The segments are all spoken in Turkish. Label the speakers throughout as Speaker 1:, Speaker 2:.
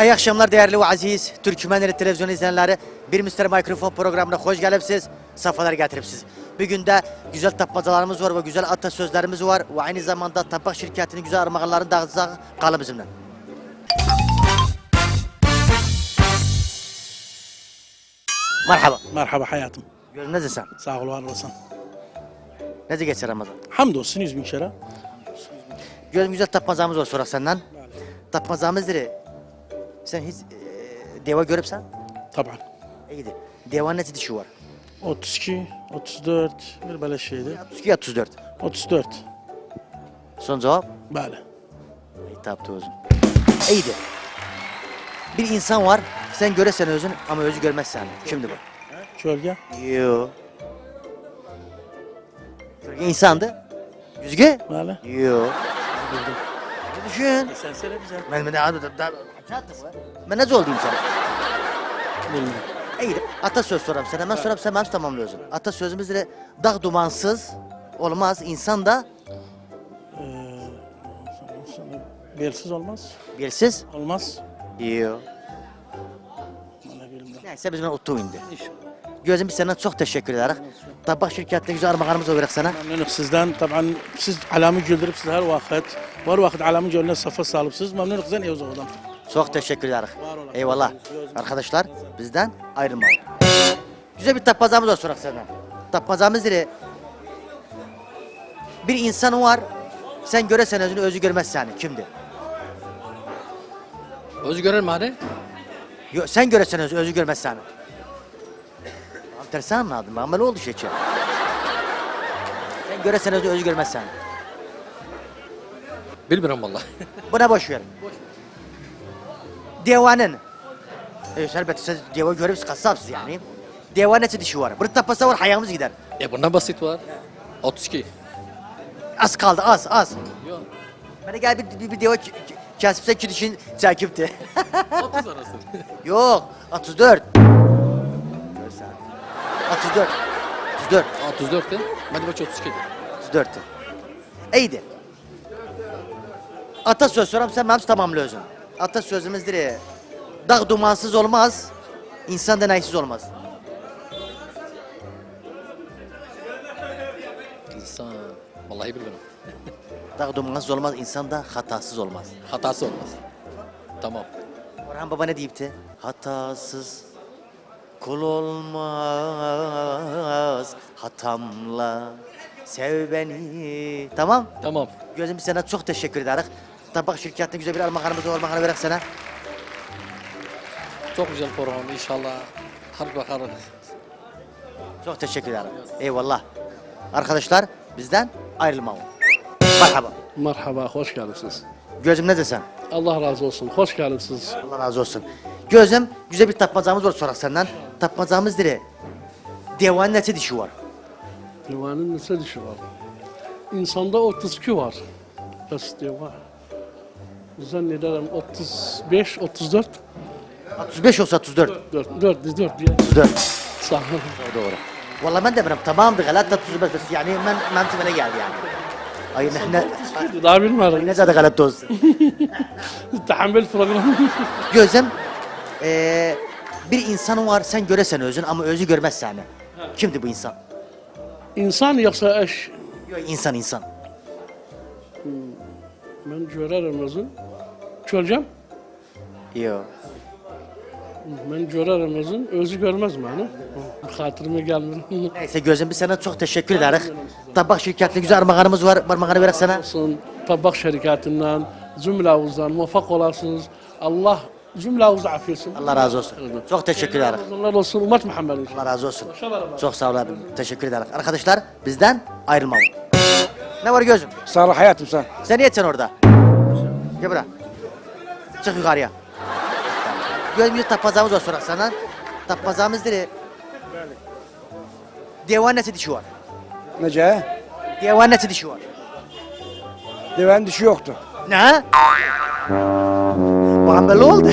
Speaker 1: İyi akşamlar değerli ve aziz Türkmenleri televizyon izleyenleri. Bir Mr. Mikrofon programına hoş geldiniz. Safalar getiripsiz. Bugün de güzel tapmacalarımız var ve güzel atasözlerimiz var. Ve aynı zamanda tabak şirketinin güzel armağanlarını dağıtacağız. Kalın bizimle. Merhaba.
Speaker 2: Merhaba hayatım.
Speaker 1: Gözün neredesin?
Speaker 2: Sağ ol, var olasın.
Speaker 1: Nece geçer Ramazan?
Speaker 2: Hamdolsun 100.000 kere.
Speaker 1: Gözüm güzel tapmacamız var sorak senden. Tapmacamız dedi. Sen hiç deva görüpsen?
Speaker 2: Taban.
Speaker 1: İyiydi. Devanın nece dişi var?
Speaker 2: 32, 34, bir böyle şeydi.
Speaker 1: 32 34.
Speaker 2: 34.
Speaker 1: Son cevap?
Speaker 2: Böyle.
Speaker 1: İyi taptı özün. İyiydi. Bir insan var, sen göresen özün ama özü görmezsen. Kimdi bu?
Speaker 2: Gölge.
Speaker 1: Yo. Gölge insandı. Yüzge?
Speaker 2: Böyle.
Speaker 1: Yo. Ne düşün?
Speaker 2: Sen söyle bize.
Speaker 1: Ben Ben ne olayım sana?
Speaker 2: Bilmiyorum.
Speaker 1: İyiydi. Atasöz soram sana. Ben soram sen tamamlıyorsun. Atasözümüz de dağ dumansız olmaz. İnsan da
Speaker 2: Belsiz olmaz.
Speaker 1: belsiz.
Speaker 2: Olmaz.
Speaker 1: Yo.
Speaker 2: Bana bilmiyorum.
Speaker 1: Neyse biz ben otu indi. Gözüm biz senden çok teşekkür ederiz. Tabak şirketine güzel armağanımız olarak sana.
Speaker 2: Memnunum sizden. Taban siz alamı güldürüp siz her vakit alamı gönlüne safa salıpsız. Memnunum sizden iyi olalım.
Speaker 1: Çok teşekkür ederiz.
Speaker 2: Var olun.
Speaker 1: Eyvallah. Arkadaşlar bizden ayrılmayın. Güzel bir tapmacamız var sorak senden. Tapmacamız dire. Bir insan var. Sen göresen özünü özü görmez seni. Kimdi?
Speaker 3: Özü görür mü hani?
Speaker 1: Sen göresen özü görmez seni. Tamam tersi anladım. Ben böyle oldu şey. Sen göresen özü görmez seni.
Speaker 3: Bilmiyorum vallahi.
Speaker 1: Buna boş ver. Devanın. Elbette siz deva görüp kasapsız yani. Devanın nece dişi var. Bir tapasa var hayamız gider.
Speaker 3: Bundan basit var. 32.
Speaker 1: Az kaldı az.
Speaker 3: Yok.
Speaker 1: Bana gel bir deva kesipse ki dişin çekipti.
Speaker 3: 30 arası.
Speaker 1: Yok 34. 34. 34.
Speaker 3: 34 de. Hadi bak 32.
Speaker 1: 34. İyiydi. Atasöz soram sen benim tamamlıyorsun. Atasözümüzdür. Dağ dumansız olmaz, insan denaysiz olmaz.
Speaker 3: İnsan. Vallahi bilmiyorum.
Speaker 1: Dağ dumansız olmaz, insan da hatasız olmaz.
Speaker 3: Hatası olmaz. Tamam.
Speaker 1: Orhan Baba ne deyipti? Hatasız kul olmaz, hatamla sev beni. Tamam.
Speaker 3: Tamam.
Speaker 1: Gözüm biz sana çok teşekkür ederiz. Tabak şirketine güzel bir armağanımız var, armağanı verek sana.
Speaker 3: Çok güzel program inşallah. Hadi bakalım.
Speaker 1: Çok teşekkür ederim. Eyvallah. Arkadaşlar bizden ayrılmayın. Merhaba.
Speaker 4: Merhaba, hoş geldiniz.
Speaker 1: Gözüm ne desen?
Speaker 4: Allah razı olsun, hoş geldiniz.
Speaker 1: Allah razı olsun. Gözüm güzel bir tapmacamız var sorak senden. Tapmacamız dire. Devanın nece dişi var?
Speaker 4: Divanın nasıl dişi var? İnsanda 32 var. Bas diva. Zannederim 35, 34.
Speaker 1: 35 olsa 34.
Speaker 4: 4 diye.
Speaker 1: 34.
Speaker 4: Sağ olun.
Speaker 1: Doğru. Vallahi ben de bilmiyorum. Tamamdır. Galat 35 bas. Yani ben bana geldi yani. Ay ne
Speaker 4: Daha bilmiyorum.
Speaker 1: ne zaten galat olsun.
Speaker 4: Tahammül programı.
Speaker 1: Gözüm bir insan var sen göresen özün ama özü görmez seni. Kimdi bu insan?
Speaker 4: İnsan yoksa eş.
Speaker 1: Yok insan.
Speaker 4: Ben görerim özün. Çöleceğim.
Speaker 1: Yok.
Speaker 4: Ben görerim özün. Özü görmez mi hani? Hatırıma gelmiyor.
Speaker 1: Neyse gözüm biz sana çok teşekkür ederiz. Tabak şirketine güzel armağanımız var. Armağanı verek sana.
Speaker 4: Olsun, tabak şirketinden, cümlemizden muvaffak olasınız. Allah cümlemizi affetsin.
Speaker 1: Allah razı olsun. Çok teşekkür ederim.
Speaker 4: Allah olsun, ümmet Muhammed inşallah.
Speaker 1: Allah razı olsun. Çok sağ ol abi. Teşekkür ederim. Arkadaşlar bizden ayrılmayın. Ne var gözüm?
Speaker 5: Sağ ol hayatım sen.
Speaker 1: Sen niye sen orada? Gel buraya. Çık yukarıya. Gözüm bir tapmazamız var sorak senden. Tapmazamız dedi. Devan nesi dişi var?
Speaker 5: Nece?
Speaker 1: Devan nesi dişi var?
Speaker 5: Deven dişi yoktu.
Speaker 1: Ne? Bana böyle oldu.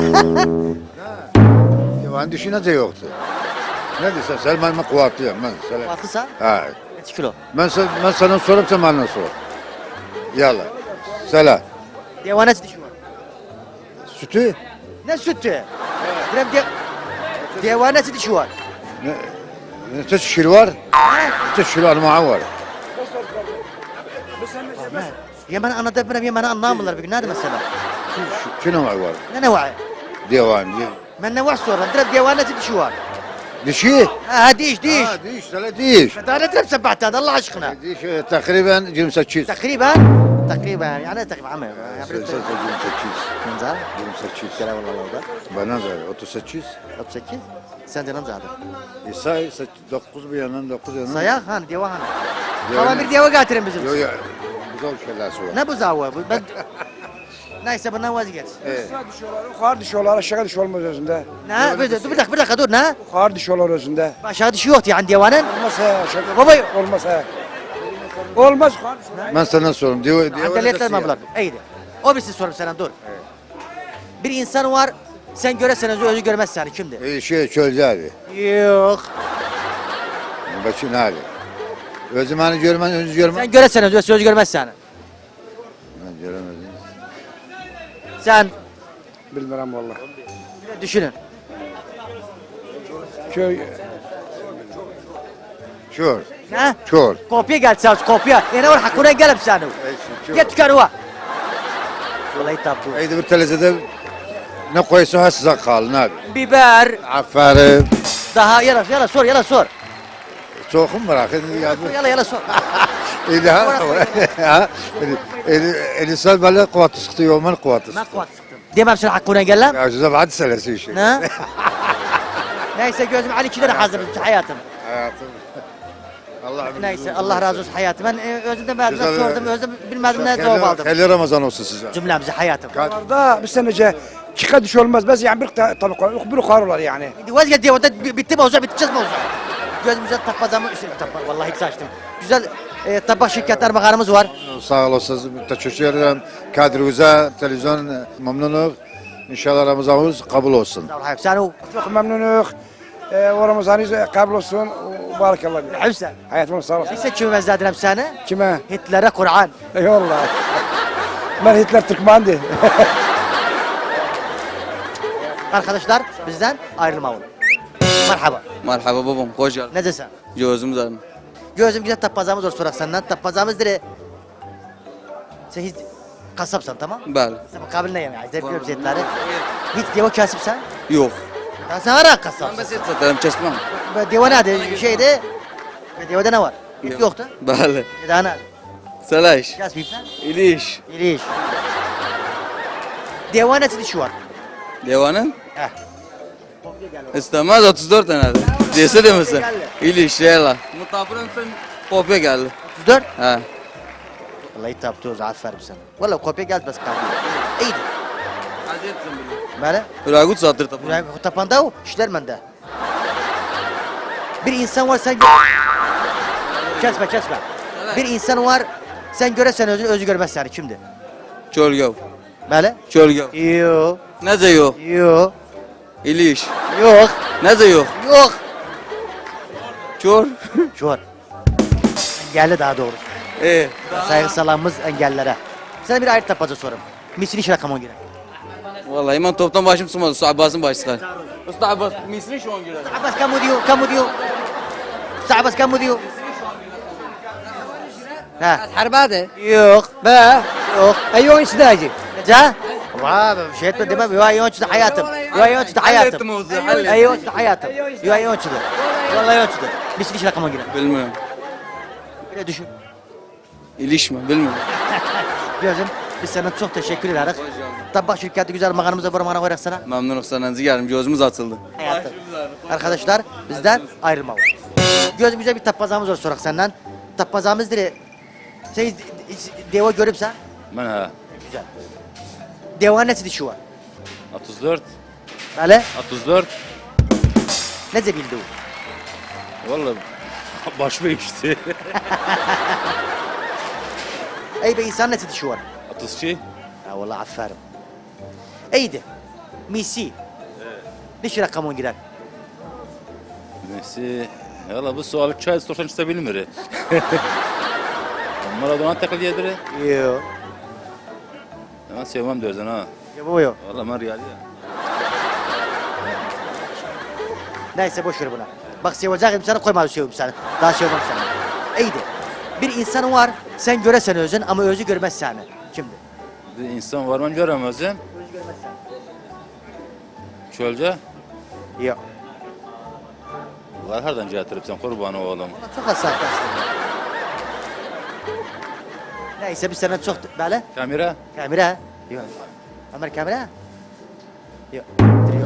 Speaker 6: Devan dişi nece yoktu? Ne diyorsun? Sen bana kuvvetliyim ben. Sen.
Speaker 1: Batlısa?
Speaker 6: Ha.
Speaker 1: Kaç kilo?
Speaker 6: Ben sana sorup sen bana sor. Yalla. Selam.
Speaker 1: Devan nesi dişi var?
Speaker 6: Sütü
Speaker 1: Ne sütü? Direm devanesi dişi var.
Speaker 6: Ne teşkil var? Teşkil anmağı var.
Speaker 1: Yemen anlatabilirim, Yemen'i anlamıyorlar bir gün. Nerede mesela?
Speaker 6: Şunu var var?
Speaker 1: Ne var?
Speaker 6: Divan.
Speaker 1: Ben ne var sonra? Direm devanesi dişi var.
Speaker 6: Dişi?
Speaker 1: Ha diş.
Speaker 6: Diş, sana diş.
Speaker 1: Daha ne direm sebahtı Allah aşkına.
Speaker 6: Diş takriben 28.
Speaker 1: تقريبا يعني تقريبا عمي
Speaker 6: 28.
Speaker 1: من زار
Speaker 6: 28.
Speaker 1: كلام والله لو ده
Speaker 6: Bana ver 38.
Speaker 1: 38 sen canım zaten.
Speaker 6: Say 9 bir yandan 9 yandan.
Speaker 1: Sayak han diye han.
Speaker 6: Diyor
Speaker 1: Tamam
Speaker 6: ne?
Speaker 1: bir diye getirin bizim.
Speaker 6: Yok yok. Güzel şeyler söyle.
Speaker 1: Ne bu zavva? Ben neyse bundan vazgeç.
Speaker 5: Aşağı düşüyorlar, yukarı düşüyorlar, aşağı düşüyor olmaz özünde.
Speaker 1: Ne? Bir dakika dur ne?
Speaker 5: Yukarı düşüyorlar özünde.
Speaker 1: Aşağı düşüyor yani divanın.
Speaker 5: Olmaz he, aşağı.
Speaker 1: Baba yok.
Speaker 5: Olmaz he. Olmaz yukarı düşüyorlar.
Speaker 6: Ben sana sorayım. Diyor
Speaker 1: Adaliyetler mi bunlar? İyiydi. O bir şey sorayım sana dur. Bir insan var sen göresen özü görmez yani kimdi?
Speaker 6: Şey çölce abi.
Speaker 1: Yok.
Speaker 6: Başın hali. Özüm hani görmen, özü görmen.
Speaker 1: Sen göresen özü görmez yani.
Speaker 6: Ben göremedim.
Speaker 1: Sen
Speaker 5: Bilmiyorum valla.
Speaker 1: düşünün.
Speaker 5: Köy,
Speaker 6: Çor.
Speaker 1: Ne?
Speaker 6: Çor.
Speaker 1: Kopya gelse kopya. Ne var hakkına gelip sen. Git tükenua. Vallahi tabu.
Speaker 6: Eydi bir telezede ne koysa ha size kalın abi.
Speaker 1: Biber.
Speaker 6: Aferin.
Speaker 1: Daha yala sor.
Speaker 6: Soğukun bırakın.
Speaker 1: Yala sor.
Speaker 6: Eydi ha. Eli böyle kuvatı sıktı yolman kuvatı
Speaker 1: Ne
Speaker 6: sıktı.
Speaker 1: kuat sıktın? Demem sen hakkına gel
Speaker 6: Ya size بعد selesi işi.
Speaker 1: Ne? Neyse gözüm Ali kilere hazır hayatım.
Speaker 6: Hayatım. Allah
Speaker 1: Neyse Allah razı olsun hayatım. Ben özümden ben
Speaker 6: Güzel,
Speaker 1: sordum. Özüm bilmedim ne cevap aldım.
Speaker 6: Hayırlı Ramazan olsun size.
Speaker 1: Cümlemize hayatım.
Speaker 5: Orada bir senece çıka düş olmaz. Bes yani bir tabi bir yukarı olar yani.
Speaker 1: Vazgeç diye orada bitti mi olacak biteceğiz mi olacak? Gözümüze tapazamı vallahi hiç açtım. Güzel tabak şirketler bakanımız var.
Speaker 6: Sağ olasınız. Teşekkür ederim. Kadrimize televizyon memnunum. İnşallah Ramazanımız kabul olsun.
Speaker 1: Sağ ol hayatım. Sen o
Speaker 5: Çok memnunuk. O Ramazanınız kabul olsun. Barakallah.
Speaker 1: Hüseyin.
Speaker 5: Hayatım sağ olasın.
Speaker 1: Neyse kime benzedirem seni?
Speaker 5: Kime?
Speaker 1: Hitler'e Kur'an.
Speaker 5: Eyvallah. Ben Hitler Türkmendi.
Speaker 1: Arkadaşlar bizden ayrılmayın. Merhaba.
Speaker 7: Merhaba babam, hoş geldin.
Speaker 1: Ne desen?
Speaker 7: Gözüm zarım.
Speaker 1: Gözüm güzel tapazamız var sorak senden. Tapazamız dire. Sen hiç kasapsan tamam?
Speaker 7: Bəli.
Speaker 1: Sen kabil ne yemeği? Zevkliyorum zetleri. Hiç deva kasıpsan?
Speaker 7: Yox.
Speaker 1: Ya sen ara
Speaker 7: Mən
Speaker 1: kasapsın.
Speaker 7: bəs et satarım, kəsməm.
Speaker 1: Deva ne? Şeyde. Devada ne var? Hiç yoktu.
Speaker 7: Bəli.
Speaker 1: Daha ne?
Speaker 7: Salaş.
Speaker 1: Kasbiyip lan.
Speaker 7: İliş.
Speaker 1: İliş. Deva ne dişi var?
Speaker 7: Devanın?
Speaker 1: Heh.
Speaker 7: İstemez 34 tanedir. Dese demesin.
Speaker 1: Geldi.
Speaker 7: İliş, yayla. Mutafırın sen kopya geldi.
Speaker 1: 34.
Speaker 7: Ha.
Speaker 1: Vallahi taptığız aferin sana. Vallahi kopya geldi bas kaldı. İyiydi.
Speaker 7: Hadi etsin bunu.
Speaker 1: Böyle.
Speaker 7: Hüragut satır tapın.
Speaker 1: Buraya tapanda o işler bende. Bir insan var sen kesme. Bir insan var sen göresen özü görmez yani kimdi?
Speaker 7: Çölgöv.
Speaker 1: Böyle?
Speaker 7: Çölgöv.
Speaker 1: Yok.
Speaker 7: Nece yok?
Speaker 1: Yok.
Speaker 7: İliş.
Speaker 1: Yok.
Speaker 7: Nece yok?
Speaker 1: Yok.
Speaker 7: Çor.
Speaker 1: Şu an. Engelli daha doğrusu. Saygı salamımız engellilere. Sana bir ayrı tapaca sorayım. Misin iş rakamına göre.
Speaker 7: Vallahi ben toptan başım sıkmadı. Usta Abbas'ın başı sıkar. Usta Abbas, misli şu an girer.
Speaker 1: Abbas kamu diyor? Abbas kamu diyor? Ha.
Speaker 8: حرباده
Speaker 1: Yok.
Speaker 8: با
Speaker 1: Yok.
Speaker 8: ايون سداجي
Speaker 1: Nece? Vay be şey etme demem. Yo ayonçtu hayatım. Yo ayonçtu hayatım. Ayonçtu hayatım. Yo ayonçtu. Vallahi ayonçtu. Misin iş rakamına göre.
Speaker 7: Bilmiyorum.
Speaker 1: Böyle düşün.
Speaker 7: İliş mi? Bilmiyorum.
Speaker 1: Gözüm biz sana çok teşekkür ederiz. Tabak şirketi güzel makarnamıza var koyarak sana.
Speaker 7: Memnunum senden geldim. Gözümüz açıldı.
Speaker 1: Hayatım. Arkadaşlar bizden ayrılma var. Gözümüze bir tapazamız var sorak senden. Tapazamız dire. Şey deva görüp sen.
Speaker 9: Ben ha
Speaker 1: Güzel. Deva nesi dişi var?
Speaker 9: 34
Speaker 1: Böyle.
Speaker 9: 34
Speaker 1: Ne bildi o?
Speaker 9: vallahi başıma geçti.
Speaker 1: Ey be insan nesi dişi var?
Speaker 9: 32
Speaker 1: Ha vallahi aferin. İyiydi. Misi. Dişi rakamına girer.
Speaker 9: neyse valla bu sualı çay sorsan işte bilmiyor. Maradona takıl yedir.
Speaker 1: Yok.
Speaker 9: Ben sevmem diyorsun ha.
Speaker 1: Ya bu yok.
Speaker 9: Valla ben riyali ya.
Speaker 1: Neyse boş ver buna. Bak seveceğim sana koymadım sevim seni. Daha sevmem seni. İyiydi. Bir insan var sen göresen özün ama özü görmez seni. Kimdi?
Speaker 9: Bir insan var mı göremezsin?
Speaker 1: Özü görmez seni.
Speaker 9: Çölce.
Speaker 1: Yok.
Speaker 9: Var herden getiripsen kurban oğlum.
Speaker 1: Çok hassas aslında. Neyse biz sana çok böyle.
Speaker 9: Kamera.
Speaker 1: Kamera. Yok. Ömer kamera. Yok. Yok.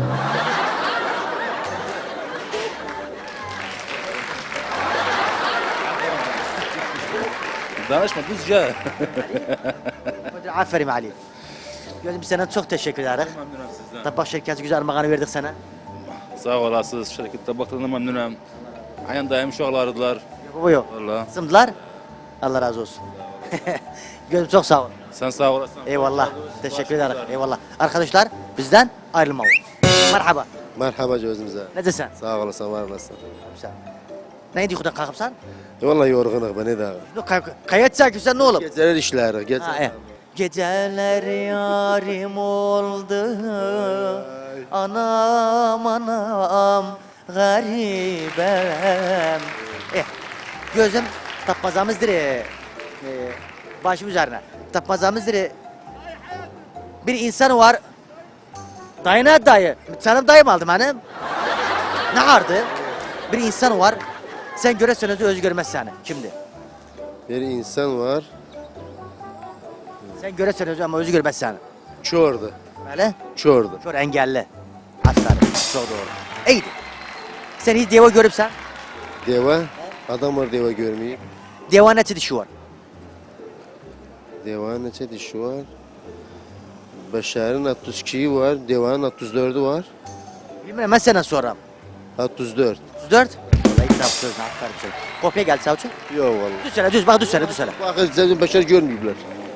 Speaker 9: Danışma düzce.
Speaker 1: Aferin Ali. Gözüm biz sana çok teşekkür ederiz.
Speaker 9: Memnunum sizden.
Speaker 1: Tabak şirketi güzel armağanı verdik sana.
Speaker 9: Sağ olasınız. Şirkette baktığında memnunum. Aynen daim uşaklardılar.
Speaker 1: Bu yok.
Speaker 9: Valla.
Speaker 1: Sımdılar. Allah razı olsun. Gözüm çok sağ ol.
Speaker 9: Sen sağ olasın.
Speaker 1: Eyvallah. Teşekkür ederim. Eyvallah. Arkadaşlar bizden ayrılmayın. Merhaba.
Speaker 8: Merhaba gözümüze.
Speaker 1: Ne desen?
Speaker 8: Sağ olasın, var olasın.
Speaker 1: Sen. Ne diyorsun kalkıp sen?
Speaker 8: Vallahi yorgunum beni de.
Speaker 1: Kayıt çekiyorsun sen ne oğlum?
Speaker 8: Geceler işleri, gece.
Speaker 1: Ha, geceler yarim oldu. Anam anam garibem. Gözüm tapmazamızdır. Başım üzerine. Tapmazamızdır. Bir insan var. Dayı ne dayı? Canım dayım aldım hanım. Ne vardı? Bir insan var. Sen göresen özü görmez seni. Kimdi?
Speaker 8: Bir insan var,
Speaker 1: Sen göresen özü ama özü görmez seni.
Speaker 8: çordu,
Speaker 1: Böyle.
Speaker 8: çordu.
Speaker 1: Kör engelli. Aslanım. Çok doğru. İyiydi. Sen hiç deva görüpsen.
Speaker 8: Deva, adam var deva görmeyip.
Speaker 1: Deva neçe dişi var?
Speaker 8: Deva neçe dişi var? Beşer'in 62'yi var, devanın 34'ü var.
Speaker 1: Bilmiyorum ben senden soram.
Speaker 8: 34.
Speaker 1: 34. Vallahi kitap sözüne aferin sana. Kopya geldi savcı.
Speaker 8: Yok vallahi.
Speaker 1: Düz söyle düz bak düz söyle düz söyle.
Speaker 8: Bakın zaten Beşer görmüyorlar.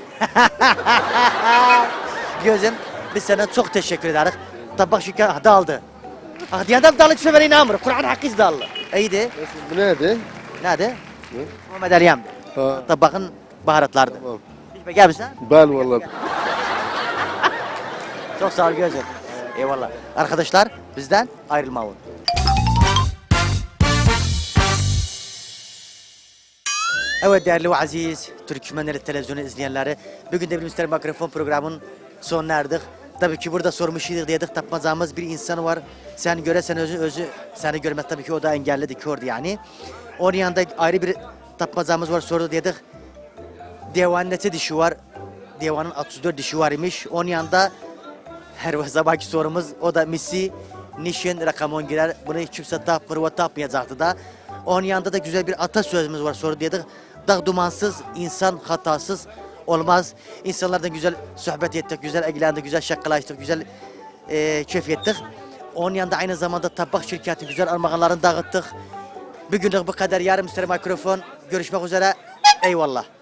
Speaker 1: Gözüm biz sana çok teşekkür ederiz. Tabak şeker dağıldı. Ah diye adam dalı çömene inanmıyor. Kur'an hakkı dağıldı. İyiydi.
Speaker 8: Bu nerede?
Speaker 1: Nerede?
Speaker 8: Ne?
Speaker 1: Muhammed Aliyem.
Speaker 8: Ha,
Speaker 1: Tabakın baharatlardı.
Speaker 8: tamam.
Speaker 1: Hiç gel misin?
Speaker 8: Bel vallahi.
Speaker 1: Çok sağ ol gözüm. Eyvallah. Arkadaşlar bizden ayrılmayın. Evet değerli ve aziz Türkmenleri televizyonu izleyenleri, bugün de bir Mr. Mikrofon programının sonuna erdik. Tabii ki burada sormuş idik dedik, tapmazamız bir insan var. Sen göresen özü seni görmez, tabii ki o da engellidir, kördü yani. Onun yanında ayrı bir tapmazamız var, sordu dedik. Devanın neçe dişi var? Devanın 34 dişi var imiş. Onun yanında her sabahki sorumuz o da misi nişin rakamon girer. Bunu hiç kimse tapmır ve tapmayacaktı da. Onun yanında da güzel bir atasözümüz var, soru dedik. Dağ dumansız, insan hatasız olmaz. İnsanlardan güzel sohbet ettik, güzel ilgilendik, güzel şakalaştık, güzel keyif ettik. Onun yanında aynı zamanda tabak şirketi güzel armağanlarını dağıttık. Bugünlük bu kadar. Yarın Mr. Mikrofon. Görüşmek üzere. Eyvallah.